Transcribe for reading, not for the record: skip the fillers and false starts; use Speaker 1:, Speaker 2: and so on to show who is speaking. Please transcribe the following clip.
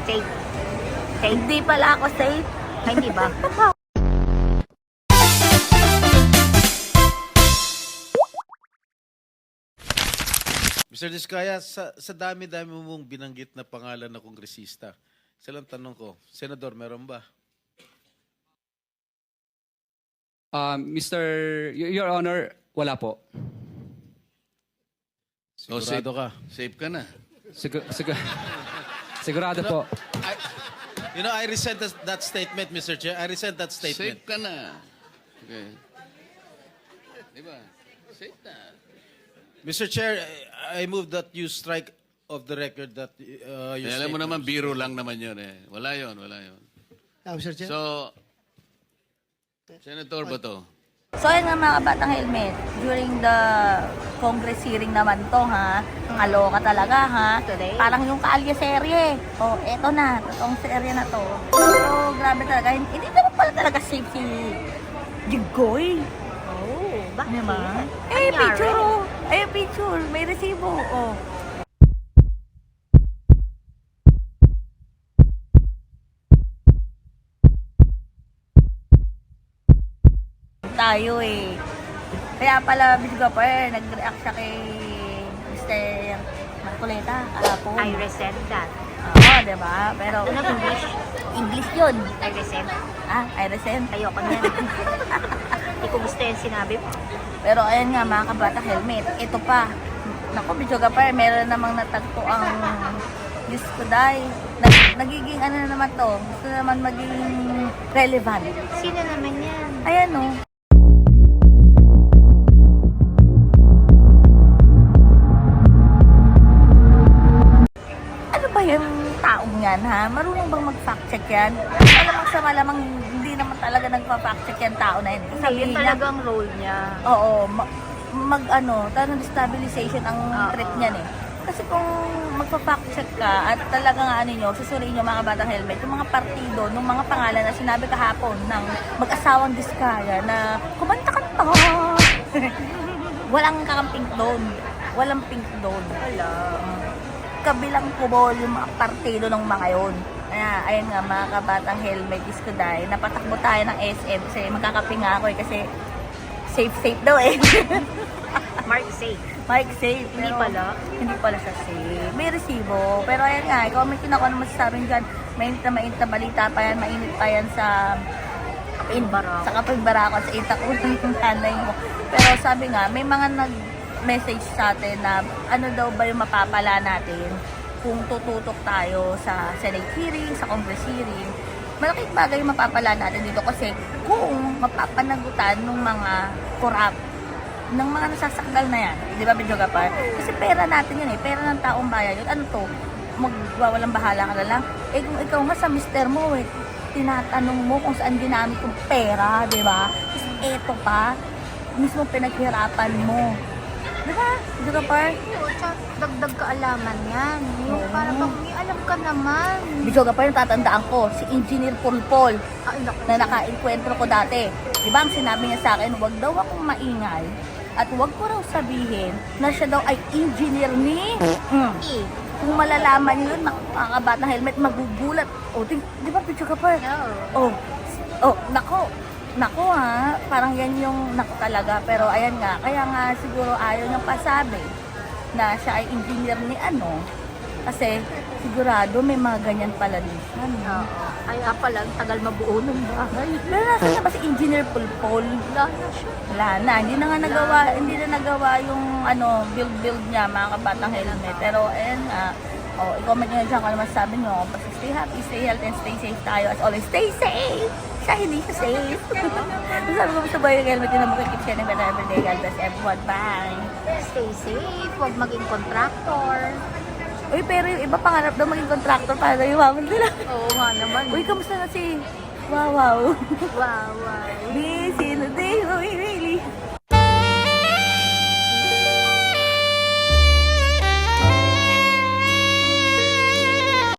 Speaker 1: Safe. Safe.
Speaker 2: Hindi pala ako safe.
Speaker 1: Ay, hindi ba?
Speaker 3: Mr. Diskaya, sa dami-dami mong binanggit na pangalan na kongresista, isa lang tanong ko, Senador, meron ba?
Speaker 4: Your Honor, wala po.
Speaker 3: Sigurado ka?
Speaker 5: Safe ka na.
Speaker 4: Sigurado po.
Speaker 3: I resent that statement, Mr. Chair. I resent that statement.
Speaker 5: Safe ka na. Okay. Di ba? Safe na.
Speaker 3: Mr. Chair, I move that you strike of the record that you
Speaker 5: Alam mo naman, biro lang naman yun eh. Wala yun, wala yun.
Speaker 6: Mr. Chair.
Speaker 5: So, Senator ba to?
Speaker 2: So ayun nga mga kabatang helmet, during the Congress hearing naman to ha, kaloka talaga ha,
Speaker 1: Today?
Speaker 2: parang yung Kaalya serye. Oh, eto na, totoong serye na to. So grabe talaga, hindi naman pala talaga safe si Jigoy.
Speaker 1: Oh, bakit?
Speaker 2: Diba?
Speaker 1: Anyari?
Speaker 2: Picture oh. Ay, picture, may resibo. Oh. Tayo eh. Kaya pala, Bisgo pa nag-react siya kay Mr. Marcoleta kahapon.
Speaker 1: I resent that.
Speaker 2: Oo, diba? Pero,
Speaker 1: Ano English?
Speaker 2: English yun.
Speaker 1: I resent.
Speaker 2: Ah, I resent.
Speaker 1: Ayoko niyan. Hindi ko gusto yung sinabi mo.
Speaker 2: Pero ayan nga mga kabata helmet, ito pa. Naku, Bichoga pa, meron namang natagpo ang Diyos ko dahil. Nagiging ano na naman to, gusto naman maging relevant.
Speaker 1: Sino naman yan?
Speaker 2: Ayan o. Ano ba yung taong yan ha? Marunong bang mag-fact check yan? Malamang sa malamang hindi naman talaga nagpa-fact check yan tao na yun.
Speaker 1: Hindi, yun
Speaker 2: Sabihin niya,
Speaker 1: talagang role niya.
Speaker 2: oo, tanong destabilization ang trip niyan eh. Kasi kung magpa-fact check ka at talagang ano nyo, susuriin nyo mga batang helmet, yung mga partido, nung mga pangalan na sinabi kahapon ng mag-asawang Diskaya na kumanta-kanta. Walang kakamping doon. Walang pink doon.
Speaker 1: Wala.
Speaker 2: Kabilang kubol yung mga partido ng mga yun. Kaya, ayun nga, mga kabatang helmet is today. Napatakbo tayo ng SM kasi magkakape nga ako eh, kasi safe daw eh.
Speaker 1: Mark safe.
Speaker 2: Mike safe.
Speaker 1: Hindi
Speaker 2: pero
Speaker 1: pala.
Speaker 2: Hindi pala siya safe. May resibo. Pero ayan nga, comment ako naman masasabi dyan. Mainit na balita pa yan, mainit pa yan sa
Speaker 1: Kapag-Barako.
Speaker 2: sa Kapag-Barako, sa itak ulo ng nanay mo. Pero sabi nga, may mga nag-message sa atin na ano daw ba yung mapapala natin kung tututok tayo sa Senate hearing, sa Congress hearing. Malaking bagay yung mapapala natin dito kasi kung mapapanagutan ng mga corrupt, ng mga nasasakdal na yan, di ba, Bidyoga pa? Kasi pera natin yun eh, pera ng taong bayan yun. Ano to? Magwawalang bahala ka na lang. Eh kung ikaw nga sa mister mo eh, tinatanong mo kung saan ginamit yung pera, di ba? Tapos eto pa, mismo pinaghirapan mo. Di ba, Bidyoga pa?
Speaker 1: Oo, tsaka dagdag kaalaman yan. Yung
Speaker 2: Oo.
Speaker 1: para bang may alam ka naman.
Speaker 2: Bidyoga pa yung tatandaan ko, si Engineer Pulpol
Speaker 1: Ay, naku.
Speaker 2: na naka-enkwentro ko dati. Di ba, ang sinabi niya sa akin, huwag daw akong maingay at huwag ko raw sabihin na siya daw ay engineer ni...
Speaker 1: Eh,
Speaker 2: Kung malalaman yun, mga kabatang helmet, magugulat. O, di ba, picture ka pa?
Speaker 1: no.
Speaker 2: Nako ha, parang yan yung nako talaga. Pero ayan nga, kaya nga siguro ayaw niyang pasabi na siya ay engineer ni ano. Kasi sigurado may mga ganyan pala din siya. No?
Speaker 1: Oo. Ay, pala, tagal mabuo ng bahay.
Speaker 2: Pero nasa na ba si Engineer Pulpol?
Speaker 1: Wala na siya.
Speaker 2: Wala na, hindi na nagawa yung ano, build niya mga kabatang helmet. Pero ayan nga, i-comment nyo dyan kung ano masasabi nyo. Basta stay happy, stay healthy, and stay safe tayo. As always, stay safe! Siya hindi siya safe. Sabi ko sa boy yung helmet yun na makikip siya ng better everyday. God bless everyone. Bye!
Speaker 1: Stay safe. Huwag maging contractor.
Speaker 2: Uy, pero yung iba pangarap daw maging contractor para daw yumaman sila.
Speaker 1: Oo nga naman.
Speaker 2: Uy, kamusta na si... Wow!
Speaker 1: Wow, wow.
Speaker 2: Busy na day,